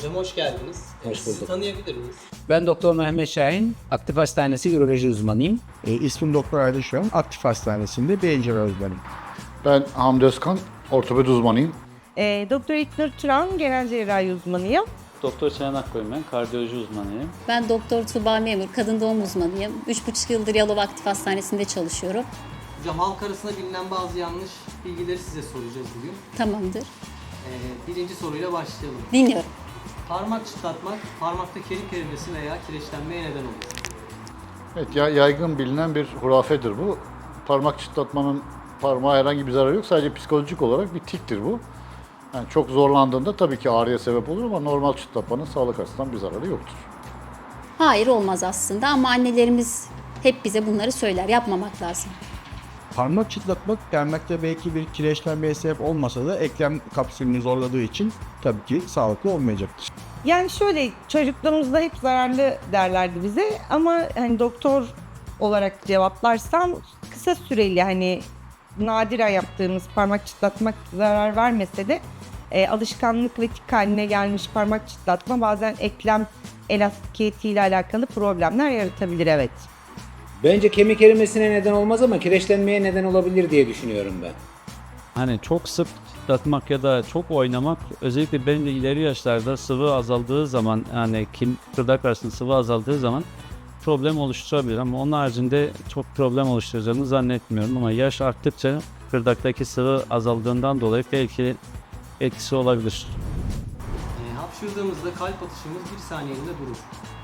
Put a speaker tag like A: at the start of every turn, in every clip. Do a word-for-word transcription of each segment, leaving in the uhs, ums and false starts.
A: Hocam hoş geldiniz.
B: Hoş
A: Sizi
B: bulduk.
A: tanıyabilir miyiz?
B: Ben Doktor Mehmet Şahin, Aktif Hastanesi Üroloji uzmanıyım.
C: E, ismim Doktor Aydın Şahin, Aktif Hastanesi'nde beyin cerrahi uzmanıyım.
D: Ben Hamdi Özkan, ortopedi uzmanıyım.
E: E, Doktor İknur Turan, genel cerrahi uzmanıyım.
F: Doktor Çayan Akkoyun ben, kardiyoloji uzmanıyım.
G: Ben Doktor Tuğba Memur, kadın doğum uzmanıyım. üç buçuk yıldır Yalova Aktif Hastanesi'nde çalışıyorum.
A: Hocam halk arasında bilinen bazı yanlış bilgileri size soracağız bugün.
G: Tamamdır.
A: Ee, birinci soruyla başlayalım.
G: Dinliyorum.
A: Parmak çıtlatmak, parmakta kemik erimesi veya kireçlenmeye neden olur.
D: Evet, ya- yaygın bilinen bir hurafedir bu. Parmak çıtlatmanın parmağa herhangi bir zararı yok. Sadece psikolojik olarak bir tiktir bu. Yani çok zorlandığında tabii ki ağrıya sebep olur ama normal çıtlatmanın sağlık açısından bir zararı yoktur.
G: Hayır, olmaz aslında ama annelerimiz hep bize bunları söyler. Yapmamak lazım.
C: Parmak çıtlatmak parmakta belki bir kireçlenmeye sebep olmasa da eklem kapsülünü zorladığı için tabii ki sağlıklı olmayacaktır.
E: Yani şöyle, çocukluğumuzda hep zararlı derlerdi bize ama hani doktor olarak cevaplarsam kısa süreli, hani nadiren yaptığımız parmak çıtlatmak zarar vermese de e, alışkanlık ve tik haline gelmiş parmak çıtlatma bazen eklem elastikiyetiyle alakalı problemler yaratabilir, evet.
B: Bence kemik erimesine neden olmaz ama kireçlenmeye neden olabilir diye düşünüyorum ben.
F: Hani çok sık çıtlatmak ya da çok oynamak, özellikle benim de ileri yaşlarda sıvı azaldığı zaman, yani kim kırdak arasında sıvı azaldığı zaman problem oluşturabilir ama onun haricinde çok problem oluşturacağını zannetmiyorum ama yaş arttıkça kırdaktaki sıvı azaldığından dolayı belki etkisi olabilir.
A: Ee, hapşırdığımızda kalp atışımız bir saniyeliğine durur.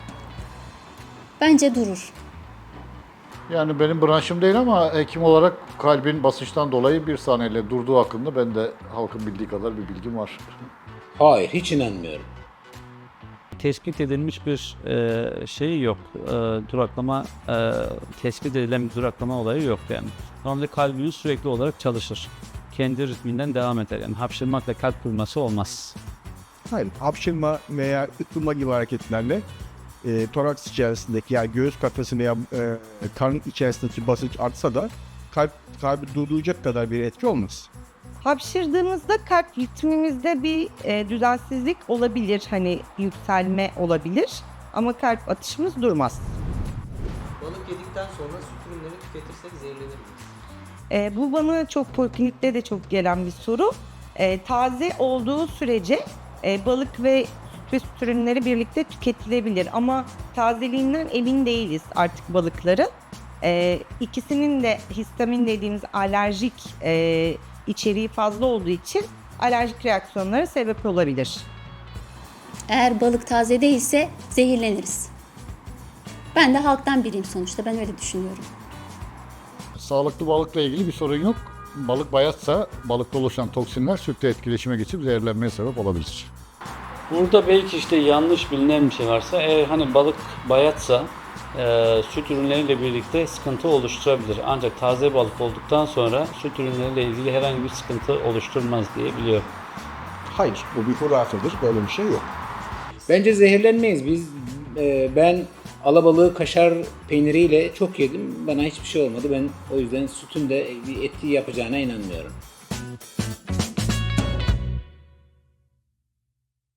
G: Bence durur.
D: Yani benim branşım değil ama hekim olarak kalbin basınçtan dolayı bir saniyeyle durduğu hakkında ben de halkın bildiği kadar bir bilgim var.
B: Hayır, hiç inanmıyorum.
F: Tespit edilmiş bir e, şey yok. E, duraklama, e, tespit edilen bir duraklama olayı yok yani. Normalde kalbimiz sürekli olarak çalışır. Kendi ritminden devam eder. Yani hapşırmakla kalp durması olmaz.
C: Hayır, hapşırma veya ıkılma gibi hareketlerle e, toraks içerisindeki, yani göğüs kafesi veya e, karın içerisindeki basınç artsa da kalp kalbi durduracak kadar bir etki olmaz.
E: Hapşırdığımızda kalp ritmimizde bir e, düzensizlik olabilir, hani yükselme olabilir ama kalp atışımız durmaz.
A: Balık yedikten sonra süt ürünleri tüketirsek zehirlenir miyiz?
E: E, bu bana çok poliklinikte de çok gelen bir soru. E, taze olduğu sürece e, balık ve süt ve süt ürünleri birlikte tüketilebilir ama tazeliğinden emin değiliz artık balıkların. E, ikisinin de histamin dediğimiz alerjik e, içeriği fazla olduğu için alerjik reaksiyonlara sebep olabilir.
G: Eğer balık taze değilse zehirleniriz. Ben de halktan biriyim sonuçta. Ben öyle düşünüyorum.
D: Sağlıklı balıkla ilgili bir sorun yok. Balık bayatsa balıkta oluşan toksinler sütle etkileşime geçip zehirlenmeye sebep olabilir.
F: Burada belki işte yanlış bilinen bir şey varsa, eğer hani balık bayatsa e, süt ürünleriyle birlikte sıkıntı oluşturabilir. Ancak taze balık olduktan sonra süt ürünleriyle ilgili herhangi bir sıkıntı oluşturmaz diye biliyorum.
C: Hayır, bu bir hurafedir, böyle bir şey yok.
B: Bence zehirlenmeyiz. Biz, e, ben alabalığı kaşar peyniriyle çok yedim. Bana hiçbir şey olmadı. Ben o yüzden sütün de bir etki yapacağına inanmıyorum.